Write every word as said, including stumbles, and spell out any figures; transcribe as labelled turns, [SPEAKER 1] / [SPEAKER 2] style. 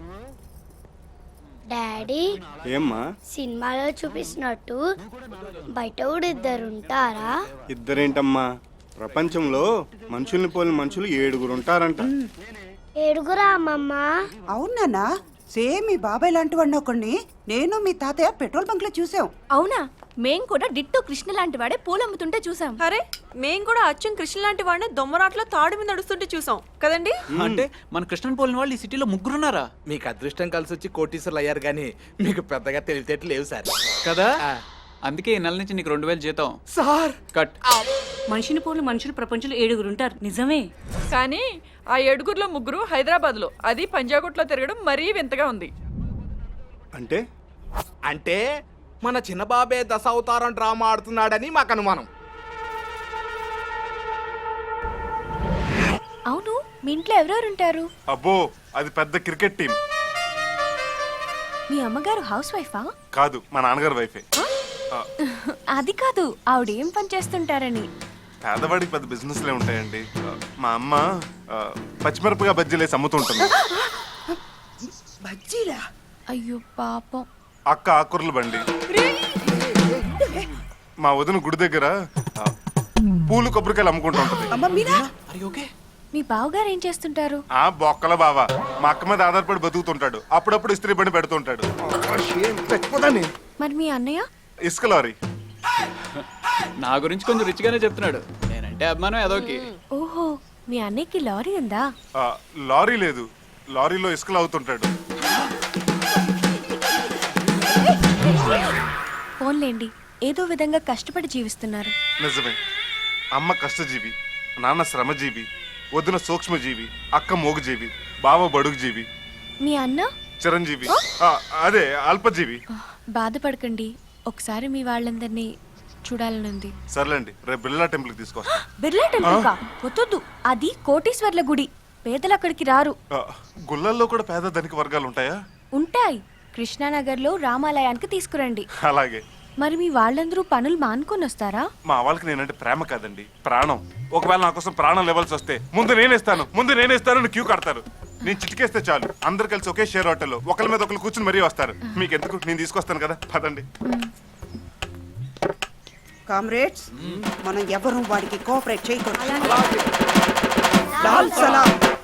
[SPEAKER 1] Daddy
[SPEAKER 2] ఏమ్మా
[SPEAKER 1] సినిమాలో చూపిస్తున్నట్టు బయట కూడా ఇద్దరు ఉంటారా?
[SPEAKER 2] ఇద్దరేంటమ్మా, ప్రపంచంలో మనుషుల్ని పోలిన మనుషులు ఏడుగురు ఉంటారంట.
[SPEAKER 1] ఏడుగురా అమ్మమ్మ?
[SPEAKER 3] అవునా? సేమ్ మీ బాబాయ్ లాంటి వాడిని ఒకడిని నేను మీ తాతయ్య పెట్రోల్ బంక్ లో చూసాం.
[SPEAKER 4] అవునా? మేం కూడా డిట్టో కృష్ణ లాంటి వాడే పూలమ్ముతుంటే చూసాం.
[SPEAKER 5] అరే మేం కూడా అచ్చం కృష్ణ లాంటి వాడిని దొమ్మరాట్లో తాడు మీద నడుస్తుంటే చూసాం కదండి.
[SPEAKER 6] అంటే మన కృష్ణన్ పోలిన వాళ్ళు ఈ సిటీలో ముగ్గురున్నారా?
[SPEAKER 7] మీకు అదృష్టం కలిసి వచ్చి కోటీశ్వర్లు అయ్యారు కానీ మీకు పెద్దగా తెలివితేటలు లేవు సార్.
[SPEAKER 6] కదా, అందుకే ఈ నెల నుంచి నీకు రెండు వేలు జీతం
[SPEAKER 7] సార్.
[SPEAKER 6] కట్.
[SPEAKER 8] మనిషిని పోలు మనుషులు ప్రపంచంలో ఏడుగురు ఉంటారు, నిజమే.
[SPEAKER 5] కానీ ఆ ఏడుగురులో ముగ్గురు హైదరాబాద్ లో, అది పంజాగుట్లో తిరగడం మరీ వింతగా ఉంది.
[SPEAKER 2] అంటే
[SPEAKER 7] అంటే మన చిన్న బాబే దశావతారం డ్రామా ఆడుతున్నాడని మాకు అనుమానం.
[SPEAKER 4] అవును, మీ ఇంట్లో ఎవరెవరు ఉంటారు?
[SPEAKER 9] అబ్బో, అది పెద్ద క్రికెట్ టీం.
[SPEAKER 4] మీ అమ్మగారు హౌస్ వైఫా?
[SPEAKER 9] కాదు, మా నాన్నగారు వైఫే.
[SPEAKER 4] అది కాదు, ఆవిడ ఏం పని చేస్తుంటారని.
[SPEAKER 9] పేదవాడికి పెద్ద బిజినెస్ లే ఉంటాయండి. మా అమ్మ ఆ, పచ్చిమిరపగా బజ్జీలేసి అమ్ముతుంటుంది.
[SPEAKER 3] బజ్జీలా?
[SPEAKER 4] అయ్యో పాపం.
[SPEAKER 9] అక్క ఆకుర్ల బండి. మా వదిన గుడి దగ్గర ఆ, పూలు కొబ్బరికాయలు అమ్ముకుంటూ ఉంటది.
[SPEAKER 3] అమ్మ మీరా?
[SPEAKER 4] మీ బావగారు ఏం చేస్తుంటారు?
[SPEAKER 9] ఆ బొక్కల బావ మా అక్క మీద ఆధారపడి బతుకుతుంటాడు. అప్పుడప్పుడు ఇస్త్రీ బండి పెడుతుంటాడు.
[SPEAKER 4] మరి మీ అన్నయ్య?
[SPEAKER 9] ఇసుక లారీ.
[SPEAKER 6] నా గురించి కొంచెం రిచ్గానే చెప్తున్నాడు. నేనంటే అభిమానం ఏదోకి.
[SPEAKER 4] ఓహో, మీ అన్నయ్యకి లారీ ఉందా?
[SPEAKER 9] ఆ, లారీ లేదు, లారీలో ఇసుకలు అవుతుంటాడు.
[SPEAKER 4] ఫోన్లేండి, ఏదో విధంగా కష్టపడి జీవిస్తున్నారు.
[SPEAKER 9] నిజమే, అమ్మ కష్టజీవి, నాన్న శ్రమజీవి, వదిన సూక్ష్మజీవి, అక్క మోగుజీవి, బావ బడుగుజీవి,
[SPEAKER 4] మీ అన్న
[SPEAKER 9] చిరంజీవి, ఆ, అదే అల్పజీవి.
[SPEAKER 4] బాధపడకండి, ఒకసారి మీ వాళ్ళందరినీ చూడాలనుంది.
[SPEAKER 9] సర్లేండి, రేపు బిర్లా టెంపుల్ కి తీసుకొస్తా.
[SPEAKER 4] బిర్లా టెంపుల్ కా? వద్దు, అది కోటీశ్వర్ల గుడి, పేదలు అక్కడికి రారు.
[SPEAKER 9] ఆ, గుళ్ళల్లో కూడా పేద ధనిక వర్గాలు ఉంటాయా?
[SPEAKER 4] ఉంటాయి, కృష్ణానగర్ లో రామాలయానికి తీసుకురండి.
[SPEAKER 9] అలాగే.
[SPEAKER 4] మరి మీ వాళ్ళందరూ పనులు మానుకొని వస్తారా?
[SPEAKER 9] మా వాళ్ళకి నేనంటే ప్రేమ కాదండి, ప్రాణం. ఒకవేళ నా కోసం ప్రాణం లెవెల్స్ వస్తే ముందు నేనేస్తాను ముందు నేనేస్తాను క్యూ కడతారు. నేను చిటికేస్తే చాలు, అందరు కలిసి ఒకే షేర్ హోటల్లో ఒకరి మీద ఒకరు కూర్చుని మరీ వస్తారు. మీకు ఎందుకు, నేను తీసుకొస్తాను కదా, పదండి.
[SPEAKER 3] కామ్రేడ్స్, మనం ఎవరు వాడికి కోఆపరేట్ చేయకూడదు. లాల్ సలాం.